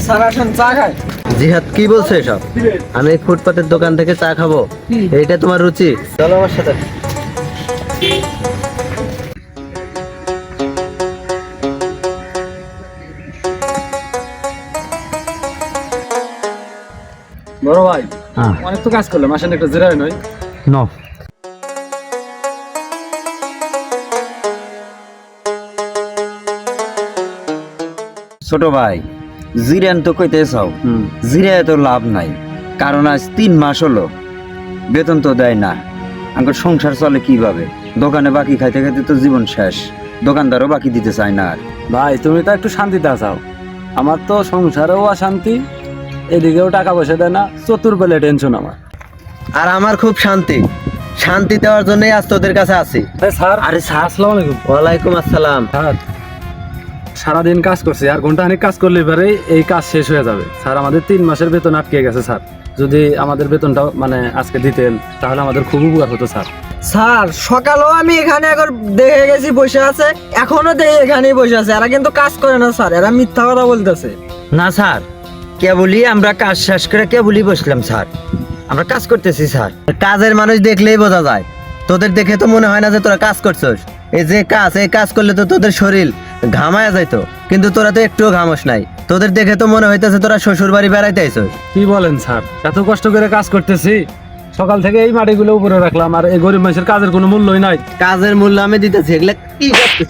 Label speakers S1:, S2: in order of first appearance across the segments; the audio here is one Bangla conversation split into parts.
S1: স্যার আসেন চা খাই।
S2: জিহাদ কি বলছো এসব? আমি ফুটপাতের দোকান থেকে চা খাবো, এইটা তোমার রুচি? চলো আমার সাথে।
S1: বড় ভাই অনেক তো কাজ করলাম, আসেন একটা জিরাই নয়।
S2: নো,
S3: ছোট ভাই জিরেন তো কইতে চাও, জিরে তো লাভ নাই, কারণ আজ 3 মাস হলো বেতন তো দেয় না। আমার সংসার চলে কিভাবে? দোকানে বাকি খাইতে খাইতে তো জীবন শেষ, দোকানদারও বাকি দিতে চায় না। আর
S1: ভাই তুমি তো একটু শান্তিতে চাও, আমার তো সংসারেও অশান্তি, এদিকেও টাকা পয়সা দেয় না, চতুর্বেলে টেনশন আমার।
S2: আর আমার খুব শান্তি, শান্তি দেওয়ার জন্যই আজ তোদের কাছে আছি।
S1: স্যার, আরে স্যার আসসালামু আলাইকুম।
S2: ওয়ালাইকুম আসসালাম।
S1: স্যার সারাদিন কাজ করছি, আর ঘন্টাখানিক কাজ করলে এবারে এই কাজ শেষ হয়ে যাবে। স্যার আমাদের 3 মাসের বেতন আটকে গেছে স্যার, যদি আমাদের বেতনটা মানে আজকে দিতেন তাহলে আমাদের খুব উপকার হতো স্যার।
S4: স্যার সকালেও আমি এখানে একবার দেখে গেছি বসে আছে, এখনো দেখে এখানেই বসে আছে। এরা কিন্তু কাজ করে না স্যার, এরা মিথ্যা কথা বলতেছে।
S3: না স্যার, কেবলই আমরা কাজ শেষ করে কেবলই বসলাম স্যার, আমরা কাজ করতেছি স্যার।
S2: কাজের মানুষ দেখলেই বোঝা যায়, তোদের দেখে তো মনে হয় না যে তোরা কাজ করছস। এই যে কাজ, এই কাজ করলে তো তোদের শরীর ঘামায়া যাইতো, কিন্তু তোরা তো একটুও ঘামস নাই। তোদের দেখে তো মনে হইতেছে তোরা শ্বশুর বাড়ি বেড়াইতে আইছস।
S1: কি বলেন স্যার, এত কষ্ট করে কাজ করতেছি, সকাল থেকে এই মাটিগুলো উপরে রাখলাম, আর এই গরিব মানুষের কাজের কোনো মূল্যই নাই।
S2: কাজের মূল্য আমি দিতেছি, এগুলা কি করতেছ?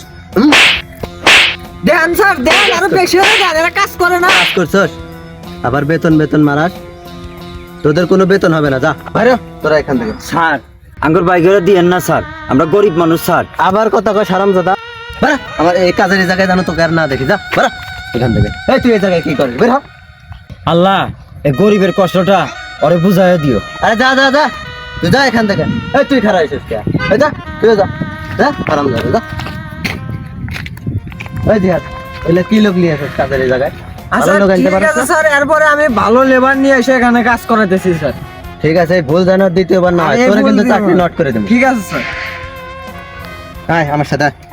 S4: দেন স্যার দেন, আরো বেশি হয়ে যায়, এরা কাজ করে না।
S2: কাজ করছস আবার বেতন বেতন মারাস? তোদের কোনো বেতন হবে না, যা বাইরে হ, তোরা এখান থেকে।
S3: স্যার আঙ্গুর বাইকেরা দিয়েন না স্যার, আমরা গরিব মানুষ স্যার।
S2: আবার কথা কয় হারামজাদা, বাড়া। আমার এই কাজের এই জায়গায় জানো তোকে আর না দেখি, যা বাড়া এখান থেকে। এই তুই এই জায়গায় কি করবি? বের হ।
S3: আল্লাহ এই গরিবের কষ্টটা ওরে বুঝাইয়া দিও।
S2: আরে যা যা যা, তুই যা এখান থেকে। এই তুই খারাপ হয়েছিস কে? এই যা, তুই যা যা, হারামজাদা যা। এই জিহাদ, এগুলা কি লোক নিয়ে আসিস কাজের এই জায়গায়?
S4: আচ্ছা
S2: ভালো লোক আনতে
S4: ঠিক
S2: পারিস
S4: আছে
S2: না?
S4: স্যার, এরপরে আমি ভালো লেবার নিয়ে এসে এখানে কাজ করাতেছি স্যার।
S2: ঠিক আছে, ভুল যেন আর দ্বিতীয়বার না হয়,
S4: আরে
S2: তোরা
S4: ভুল
S2: কিন্তু
S4: দিব
S2: চাকরি
S4: না।
S2: নট করে দেবো।
S4: ঠিক আছে স্যার।
S2: আয় আমার সাথে আয়।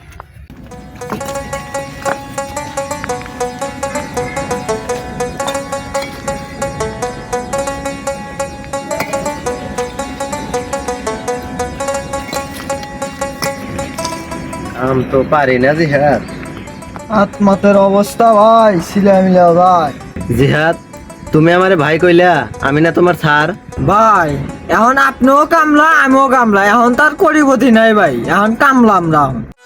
S2: আমি তো পারি না জিহাদ।
S4: আত্মাতের অবস্থা ভাই ছিলা মিলা ভাই।
S2: জিহাদ, তুমি আমারে ভাই কইলা, আমি না তোমার স্যার?
S4: ভাই এখন আপনিও কামলা আমিও কামলা, এখন তার করিবতি নাই ভাই, এখন কামলা আমরা।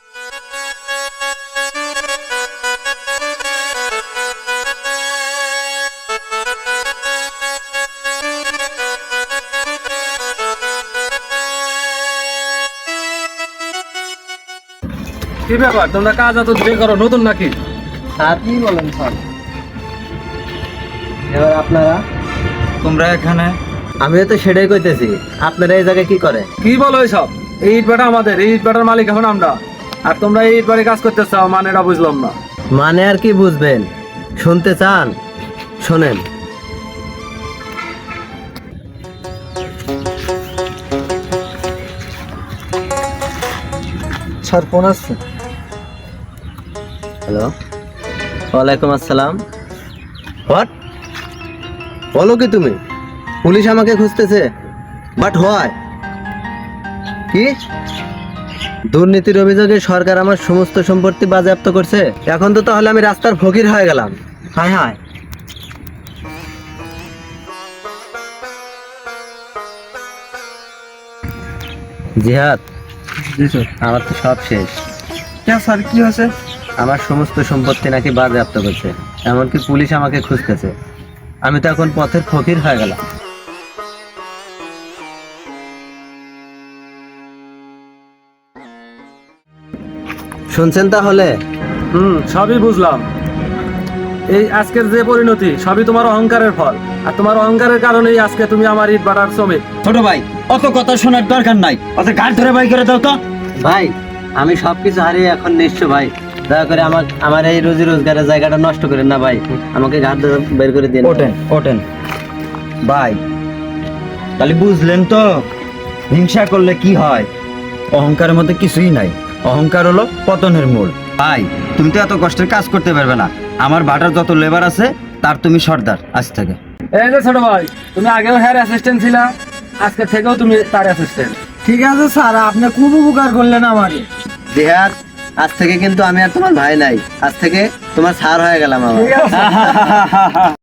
S1: কি ব্যাপার, তোমরা কাজ এত ধীরে করো, নতুন নাকি?
S2: স্যার কি বলেন স্যার? এবার আপনারা?
S3: তোমরা এখানে?
S2: আমিও তো সেটাই কইতেছি, আপনারা এই জায়গায় কি করে?
S1: কি বলো এইসব? এই ইট ভাটা আমাদের, এই ইট ভাটার মালিক এখন আমরা, আর তোমরা এই ইট ভাটায় কাজ করতে চাও, মানে এটা বুঝলাম না।
S2: মানে আর কি বুঝবেন? শুনতে চান? শোনেন।
S4: স্যার ফোন আসছে।
S2: হ্যালো, ওয়ালাইকুম আসসালাম। হোয়াট? বলো কি তুমি? পুলিশ আমাকে খুঁজতেছে, বাট হয় কি? দুর্নীতির অভিযোগে সরকার আমার সমস্ত সম্পত্তি বাজেয়াপ্ত করছে। এখন তো তাহলে আমি রাস্তার ফকির হয়ে গেলাম। হায় হায়। জিহাদ, আমার তো সব শেষ।
S4: স্যার কি হয়েছে?
S2: আমার সমস্ত সম্পত্তি নাকি বাজেয়াপ্ত করছে, এমনকি পুলিশ আমাকে খুঁজতেছে। আমি তো এখন পথের ফকির হয়ে গেলাম। শুনছেন তাহলে?
S1: সবই বুঝলাম। এই আজকের যে পরিণতি সবই তোমার অহংকারের ফল, আর তোমার অহংকারের কারণেই আজকে তুমি আমার ইট ভাটার শ্রমিক।
S3: ছোট ভাই অত কথা শোনার দরকার নাই, অত ঘাট ধরে বাই করে দাও তো।
S2: ভাই আমি সবকিছু হারিয়ে এখন নিঃস্ব ভাই, দয়া করে আমার এই রোজি রোজগারের জায়গাটা নষ্ট করেন না ভাই, আমাকে ঘাট ধরে বের করে দিন।
S3: ওঠেন ওঠেন ভাই, তাহলে বুঝলেন তো হিংসা করলে কি হয়? অহংকারের মধ্যে কিছুই নাই, অহংকার হলো পতনের মূল। ভাই তুমি তো এত কষ্টের কাজ করতে পারবে না, আমার ভাটার যত লেবার আছে তার তুমি সর্দার আজ থেকে।
S1: এই যে ছোট ভাই, তুমি আগেও হেয়ার অ্যাসিস্ট্যান্ট ছিলা, আজকে থেকেও তুমি তার অ্যাসিস্ট্যান্ট।
S4: ঠিক আছে স্যার, আপনি খুব উপকার করলেন আমাকে।
S2: জিহাদ, আজ থেকে কিন্তু আমি আর তোমার ভাই নাই, আজ থেকে তোমার স্যার হয়ে গেলাম আমার।
S4: ঠিক আছে।